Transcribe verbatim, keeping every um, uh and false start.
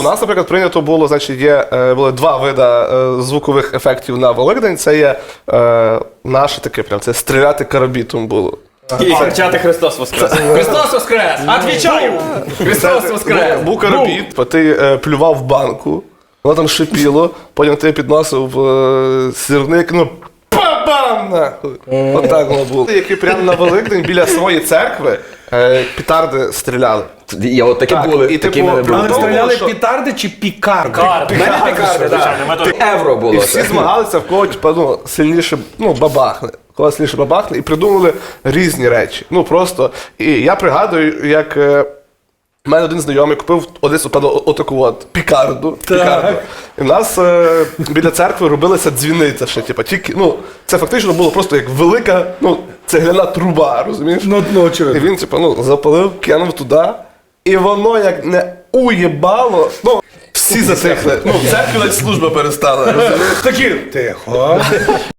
У нас, наприклад, прийнято було, значить, є е, були два види е, звукових ефектів на Великдень. Це є е, наше таке, прям це стріляти карабітом було. І кричати Христос Воскрес! Христос Воскрес! Отвічаю! Христос Воскрес! Був карабіт, ти е, плював в банку, воно там шипіло, потім ти підносив е, сірник, ну па-бам! Нахуй! Отак воно було. Які прямо на Великдень біля своєї церкви е, петарди стріляли. Я от такі Так, були, і, такі типу, мене були. при Але тому, стріляли що- петарди чи пікарди? Карди. Мене пікарди, звичайно, ми так. тут- Євро І було. всі змагалися, в кого типу, ну, сильніше ну, бабахне. В кого сильніше бабахне, і придумали різні речі. Ну просто. І я пригадую, як е, в мене один знайомий купив одесь отаку отаку от пікарду. пікарду. І в нас е, біля церкви робилася дзвіниця ще. Типу, тільки, ну, це фактично було просто як велика ну, цегляна труба, розумієш? Ну, ну, І очевидно. він, типу, ну, запалив, кинув туди, і воно як не уєбало, ну, всі затихли. Ну, в церкві навіть служба перестала, розумієш? Такі, тихо.